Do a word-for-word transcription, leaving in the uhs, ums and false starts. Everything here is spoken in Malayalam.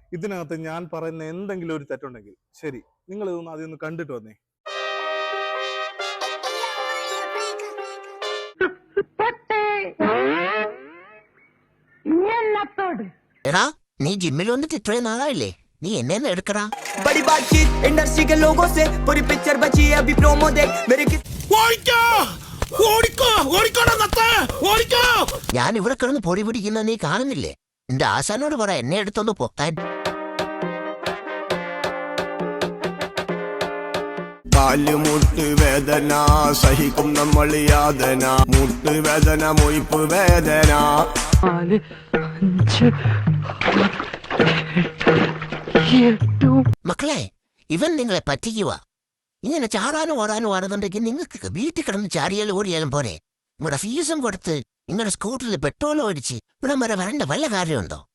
ഇതിനകത്ത് ഞാൻ പറയുന്ന എന്തെങ്കിലും ഒരു തെറ്റുണ്ടെങ്കിൽ ശരി, നിങ്ങൾ ഇതൊന്ന് ആദ്യം ഒന്ന് കണ്ടിട്ട് വന്നേ. എടാ, നീ ജിമ്മിൽ വന്നിട്ട് ഇത്രയും നാളായില്ലേ? നീ എന്നെ എടുക്കടാ. बड़ी बातचीत इंडस्ट्री के लोगों से पूरी पिक्चर बची है अभी प्रोमो देख मेरे किस ഞാൻ ഇവിടെ കിടന്ന് പൊടി പിടിക്കുന്ന നീ കാണുന്നില്ലേ? എന്റെ ആശാനോട് പറ എന്നെ എടുത്തൊന്ന് പൊക്കാൻ. കാലുമുട്ട് വേദന സഹിക്കും നമ്മൾ യാതന, മുട്ട് വേദന മൊയ്പ്പ് വേദന. മക്കളെ, ഇവൻ നിങ്ങളെ പറ്റിക്കുക. ഇങ്ങനെ ചാടാനും ഓടാനും ആണെന്നുണ്ടെങ്കിൽ നിങ്ങൾക്ക് വീട്ടിൽ കിടന്ന് ചാടിയാലും ഓടിയാലും പോരെ. നിങ്ങളുടെ ഫീസും കൊടുത്ത് നിങ്ങളുടെ സ്കൂട്ടറിൽ പെട്രോൾ ഒഴിച്ച് ഇവിടെ വരെ വരേണ്ട വല്ല കാര്യമുണ്ടോ?